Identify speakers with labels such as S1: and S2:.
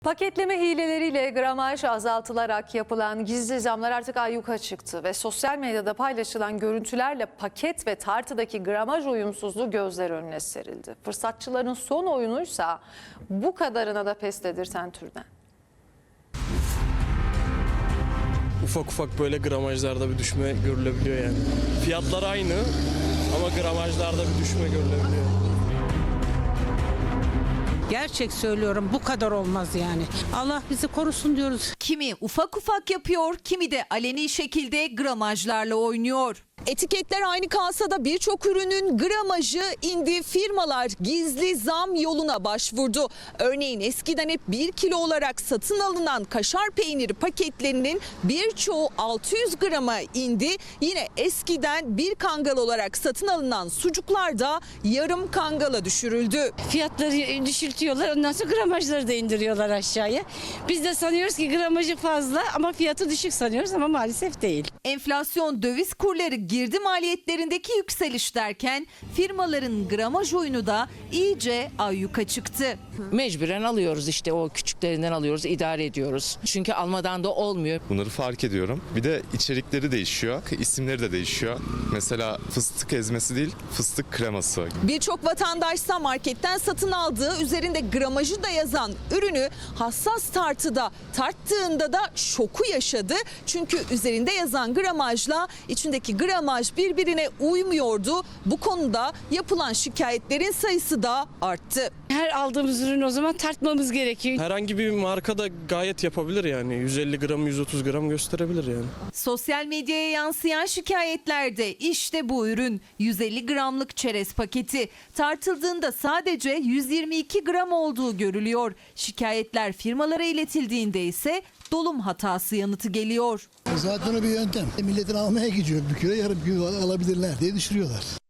S1: Paketleme hileleriyle gramaj azaltılarak yapılan gizli zamlar artık ayyuka çıktı ve sosyal medyada paylaşılan görüntülerle paket ve tartıdaki gramaj uyumsuzluğu gözler önüne serildi. Fırsatçıların son oyunuysa bu kadarına da pes dedirten türden.
S2: Ufak ufak böyle gramajlarda bir düşme görülebiliyor yani. Fiyatlar aynı ama gramajlarda bir düşme görülebiliyor.
S3: Gerçek söylüyorum, bu kadar olmaz yani. Allah bizi korusun diyoruz.
S4: Kimi ufak ufak yapıyor, kimi de aleni şekilde gramajlarla oynuyor.
S5: Etiketler aynı kalsa da birçok ürünün gramajı indi. Firmalar gizli zam yoluna başvurdu. Örneğin eskiden hep 1 kilo olarak satın alınan kaşar peyniri paketlerinin birçoğu 600 grama indi. Yine eskiden bir kangal olarak satın alınan sucuklar da yarım kangala düşürüldü.
S6: Fiyatları düşürtüyorlar, ondan sonra gramajları da indiriyorlar aşağıya. Biz de sanıyoruz ki gramajı fazla ama fiyatı düşük sanıyoruz ama maalesef değil.
S4: Enflasyon, döviz kurları, girdi maliyetlerindeki yükseliş derken firmaların gramaj oyunu da iyice ayyuka çıktı.
S7: Mecburen alıyoruz, işte o küçüklerinden alıyoruz, idare ediyoruz. Çünkü almadan da olmuyor.
S8: Bunları fark ediyorum. Bir de içerikleri değişiyor, isimleri de değişiyor. Mesela fıstık ezmesi değil, fıstık kreması.
S5: Birçok vatandaşsa marketten satın aldığı, üzerinde gramajı da yazan ürünü hassas tartıda tarttığında da şoku yaşadı. Çünkü üzerinde yazan gramajla içindeki gramaj birbirine uymuyordu. Bu konuda yapılan şikayetlerin sayısı da arttı.
S6: Her aldığımız ürünü o zaman tartmamız gerekiyor.
S2: Herhangi bir marka da gayet yapabilir yani. 150 gram, 130 gram gösterebilir yani.
S4: Sosyal medyaya yansıyan şikayetlerde işte bu ürün 150 gramlık çerez paketi tartıldığında sadece 122 gram olduğu görülüyor. Şikayetler firmalara iletildiğinde ise dolum hatası yanıtı geliyor.
S9: Zaten o bir yöntem. Milletin almaya gidiyor, bir kilo yarım kilo alabilirler diye düşürüyorlar.